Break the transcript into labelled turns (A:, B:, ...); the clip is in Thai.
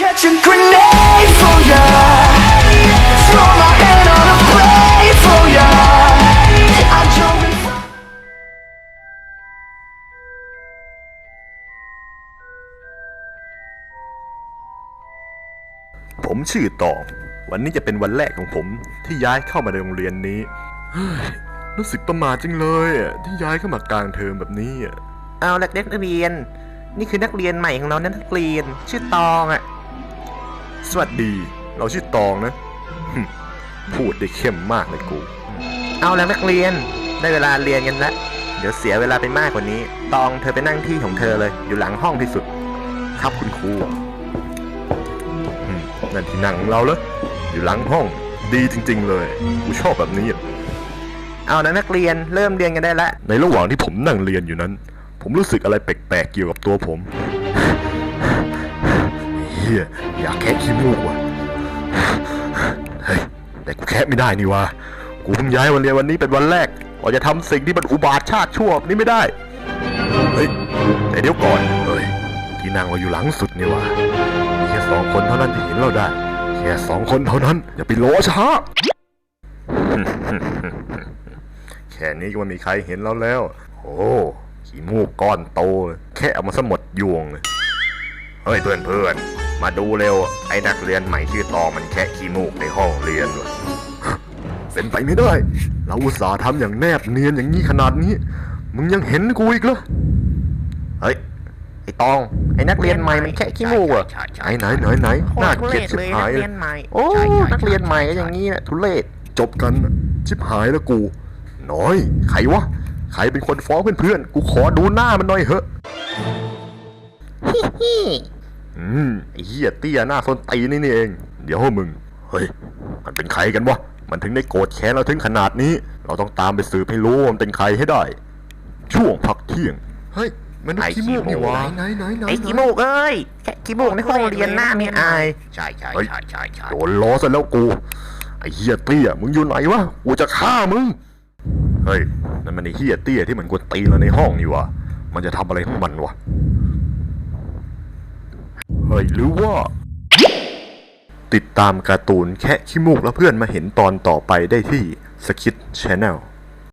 A: catch a grenade for ya. Throw my hand on a blade for ya. I jump in front.
B: ผมชื่อตองวันนี้จะเป็นวันแรกของผมที่ย้ายเข้ามาในโรงเรียนนี้รู้สึกประหม่าจังเลยที่ย้ายเข้ามากลางเทอมแบบนี้
C: เอาละนักเรียนนี่คือนักเรียนใหม่ของเรานะนักเรียนชื่อตองอ่ะ
B: สวัสดีเราชื่อตองนะพูดได้เข้มมากเลยกู
C: เอาละนักเรียนได้เวลาเรียนกันละเดี๋ยวเสียเวลาไปมากกว่านี้ตองเธอไปนั่งที่ของเธอเลยอยู่หลังห้องที่สุด
B: ครับคุณครูนั่นที่นั่งของเราเหรออยู่หลังห้องดีจริงๆเลยกูชอบแบบนี้
C: เอาละนักเรียนเริ่มเรียนกันได้ละ
B: ในระหว่างที่ผมนั่งเรียนอยู่นั้นผมรู้สึกอะไรแปลกๆเกี่ยวกับตัวผมเฮียอยากแคะขี้มูกว่ะเฮ้ยแต่กูแคะไม่ได้นี่วะกูเพิ่งย้ายวันเรียนวันนี้เป็นวันแรกว่าจะทำสิ่งที่มันอุบาทชาติชั่วนี่ไม่ได้เฮ้ยแต่เดี๋ยวก่อนเฮ้ยที่นั่งเราอยู่หลังสุดนี่วะมีแค่2 คนเท่านั้นที่เห็นเราได้แค่2 คนเท่านั้นอย่าไปรอช้าแค่นี้ก็ไม่มีใครเห็นเราแล้วโอ้ขี้มูกก้อนโตแค่เอามาสมดยวงเลยเฮ้ยเพื่อนๆมาดูเร็วไอ้นักเรียนใหม่ชื่อตองมันแค่ขี้มูกในห้องเรียนวะเป็นไปไม่ได้เราอุตส่าห์ทำอย่างแนบเนียนอย่างนี้ขนาดนี้มึงยังเห็นกูอีกเหรอเฮ้ยไอ้ตองไอ้นักเรียนใหม่มันแค่ขี้มูกอ่ะไหนน่าเกลียดชิบหายเลยโอ้นักเรียนใหม่ก็อย่างนี้แหละทุเรศจบกันชิบหายแล้วกูน้อยใครวะใครเป็นคนฟ้องเพื่อนๆกูขอดูหน้ามันหน่อยเหอะไอ้เหี้ยเตี้ยหน้าส้นตีนี่เองเดี๋ยวมึงเฮ้ยมันเป็นใครกันวะมันถึงได้โกรธแค้นเราถึงขนาดนี้เราต้องตามไปสืบให้รู้ว่ามันเป็นใครให้ได้ช่วงพักเที่ยงเฮ้ยมันขี้มูกนี่วะไหน
C: ไอ้ขี้มูกเอ้ยแค่ขี้มูกในห้องเรียนหน้าไม่อาย
D: ใช่
B: โดนล้อซะแล้วกูไอ้เหี้ยเตี้ยมึงอยู่ไหนวะกูจะฆ่ามึงเฮ้ยนั่นมันไอ้เหี้ยเตี้ยที่มันกวนตีเราในห้องนี่วะมันจะทำอะไรของมันวะเฮ้ยหรือว่าติดตามการ์ตูนแค่ขี้มูกแล้วเพื่อนมาเห็นตอนต่อไปได้ที่สคิท Channel